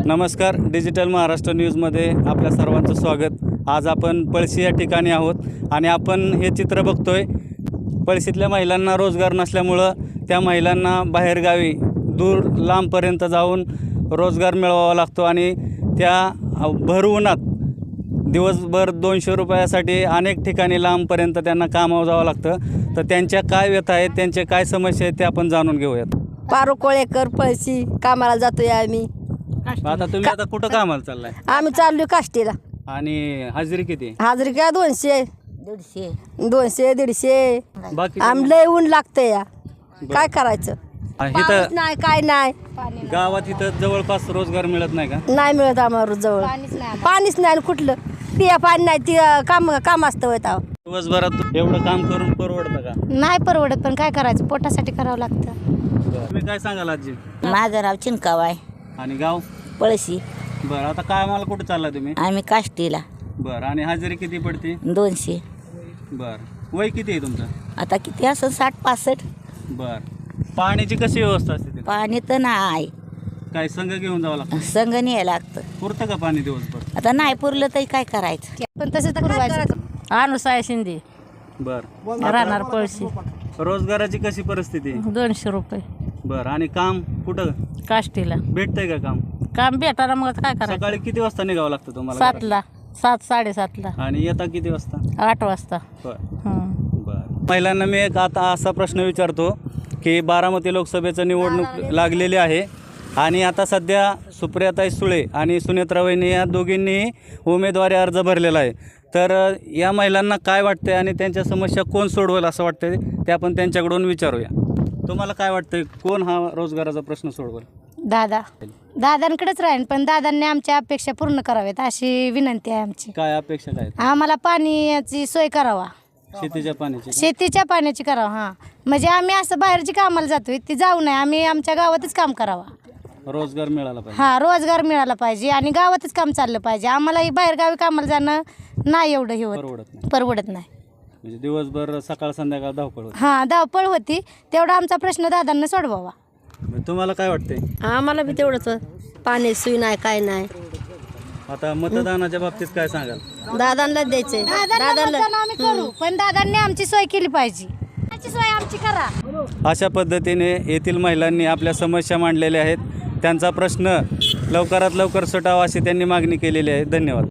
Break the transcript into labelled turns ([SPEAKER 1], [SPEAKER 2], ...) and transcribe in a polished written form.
[SPEAKER 1] नमस्कार, डिजिटल महाराष्ट्र न्यूजमध्ये आपल्या सर्वांचं स्वागत। आज आपण पळशी या ठिकाणी आहोत आणि आपण हे चित्र बघतोय। पळशीतल्या महिलांना रोजगार नसल्यामुळं त्या महिलांना बाहेरगावी दूर लांबपर्यंत जाऊन रोजगार मिळवावा लागतो आणि त्या भर उन्हात दिवसभर 200 रुपयासाठी अनेक ठिकाणी लांबपर्यंत त्यांना कामावर जावं लागतं। तर त्यांच्या काय व्यथा आहेत, त्यांचे काय समस्या आहेत ते आपण जाणून घेऊयात।
[SPEAKER 2] पारू कोळेकर पळशी कामाला जातोय आम्ही।
[SPEAKER 1] आता तुम्ही आता कुठं कामाला चाललाय?
[SPEAKER 2] आम्ही चाललोय काष्टीला।
[SPEAKER 1] आणि हाजरी किती?
[SPEAKER 2] हाजरी काय 200 150
[SPEAKER 1] बाकी
[SPEAKER 2] आम्ही लय ऊन लागतंय या, काय करायचं?
[SPEAKER 1] इथं
[SPEAKER 2] नाही काय नाही,
[SPEAKER 1] गावात इथं जवळपास रोजगार मिळत नाही का?
[SPEAKER 2] नाही मिळत आम्हाला जवळ पाणीच नाही आणि कुठलं पिया पाणी नाही, ती काम असतं होता।
[SPEAKER 1] दिवसभरात एवढं काम करून परवडतं का?
[SPEAKER 3] नाही परवडत, पण काय करायचं, पोटासाठी करावं लागतं।
[SPEAKER 1] तुम्ही काय सांगाल आजी?
[SPEAKER 4] माझं नाव चिंकाव आहे,
[SPEAKER 1] आणि गाव?
[SPEAKER 4] पळशी।
[SPEAKER 1] बरं, आता काय आम्हाला कुठं चाललाय तुम्ही?
[SPEAKER 4] आम्ही काष्टीला।
[SPEAKER 1] बरं, आणि हाजरी किती पडते?
[SPEAKER 4] 200।
[SPEAKER 1] बरं, वय किती आहे तुमचं?
[SPEAKER 4] आता किती असं 60-65।
[SPEAKER 1] बरं, पाण्याची कशी व्यवस्था असते तिथे?
[SPEAKER 4] पाणी तर नाही,
[SPEAKER 1] काय संघ घेऊन जावं लागतं?
[SPEAKER 4] संग न्यायला लागतं।
[SPEAKER 1] पुरतं का पाणी दिवसभर?
[SPEAKER 4] आता नाही पुरलं तरी काय करायचं?
[SPEAKER 3] पण तसं तर करायचं।
[SPEAKER 5] अनुसाय शिंदे
[SPEAKER 1] बरं,
[SPEAKER 5] राहणार पळशी,
[SPEAKER 1] रोजगाराची कशी परिस्थिती?
[SPEAKER 5] 200 रुपये
[SPEAKER 1] बरं, आणि काम कुठं
[SPEAKER 5] काष्टीला
[SPEAKER 1] भेटतंय का काम?
[SPEAKER 5] काम भेटायला मग काय करायचं?
[SPEAKER 1] सकाळी किती वाजता निघावं लागतं तुम्हाला?
[SPEAKER 5] 7ला 7-7:30ला
[SPEAKER 1] आणि येता किती वाजता?
[SPEAKER 5] 8 वाजता।
[SPEAKER 1] बरं, महिलांना मी एक आता असा प्रश्न विचारतो की बारामती लोकसभेचं निवडणूक लागलेली आहे आणि आता सध्या सुप्रियाताई सुळे आणि सुनेत्रा वहिनी या दोघींनी उमेदवारी अर्ज भरलेला आहे। तर या महिलांना काय वाटतंय आणि त्यांच्या समस्या कोण सोडवेल असं वाटतंय ते आपण त्यांच्याकडून विचारूया। तुम्हाला काय वाटतंय, कोण हा रोजगाराचा प्रश्न सोडवेल?
[SPEAKER 3] दादांकडेच राहील, पण दादांनी आमच्या अपेक्षा पूर्ण कराव्यात अशी विनंती आहे आमची।
[SPEAKER 1] काय अपेक्षा काय?
[SPEAKER 3] आम्हाला पाण्याची सोय करावा,
[SPEAKER 1] शेतीच्या पाण्याची?
[SPEAKER 3] शेतीच्या पाण्याची करावा। हां, म्हणजे आम्ही असं बाहेरची कामाला जातोय ती जाऊ नये, आम्ही आमच्या गावातच काम करावा।
[SPEAKER 1] रोजगार मिळाला पाहिजे।
[SPEAKER 3] हां, रोजगार मिळाला पाहिजे आणि गावातच काम चाललं पाहिजे। आम्हाला बाहेरगावी कामाला जाणं नाही एवढं हे होत, परवडत नाही।
[SPEAKER 1] म्हणजे दिवसभर सकाळ संध्याकाळ धावपळ होती?
[SPEAKER 3] हां, धावपळ होती, तेवढा आमचा प्रश्न दादांना सोडवावा।
[SPEAKER 1] तुम्हाला काय वाटतंय?
[SPEAKER 2] आम्हाला बी तेवढंच, पाणी सोय नाही काय नाही।
[SPEAKER 1] आता मतदानाच्या बाबतीत काय सांगाल?
[SPEAKER 2] दादांना द्यायचंय,
[SPEAKER 3] दादांना आम्ही करू, पण दादांनी आमची सोय केली पाहिजे, आमची सोय आमची करा।
[SPEAKER 1] अशा पद्धतीने येथील महिलांनी आपल्या समस्या मांडलेल्या आहेत। त्यांचा प्रश्न लवकरात लवकर सुटावा अशी त्यांनी मागणी केलेली आहे। धन्यवाद।